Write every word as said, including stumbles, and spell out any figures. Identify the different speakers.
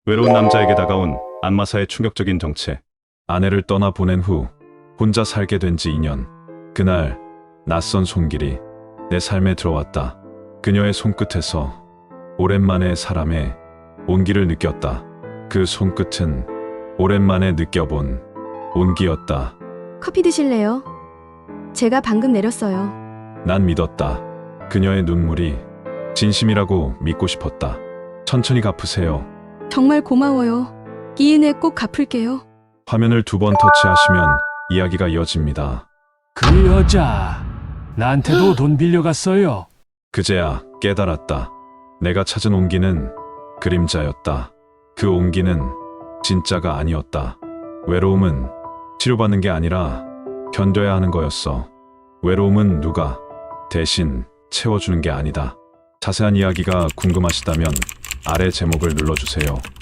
Speaker 1: 외로운 남자에게 다가온 안마사의 충격적인 정체.
Speaker 2: 아내를 떠나 보낸 후 혼자 살게 된 지 이 년. 그날 낯선 손길이 내 삶에 들어왔다. 그녀의 손끝에서 오랜만에 사람의 온기를 느꼈다. 그 손끝은 오랜만에 느껴본 온기였다.
Speaker 3: 커피 드실래요? 제가 방금 내렸어요.
Speaker 2: 난 믿었다. 그녀의 눈물이 진심이라고 믿고 싶었다. 천천히 갚으세요.
Speaker 3: 정말 고마워요. 이은혜 꼭 갚을게요.
Speaker 2: 화면을 두 번 터치하시면 이야기가 이어집니다.
Speaker 4: 그 여자 나한테도 돈 빌려갔어요.
Speaker 2: 그제야 깨달았다. 내가 찾은 온기는 그림자였다. 그 온기는 진짜가 아니었다. 외로움은 치료받는 게 아니라 견뎌야 하는 거였어. 외로움은 누가 대신 채워주는 게 아니다. 자세한 이야기가 궁금하시다면 아래 제목을 눌러주세요.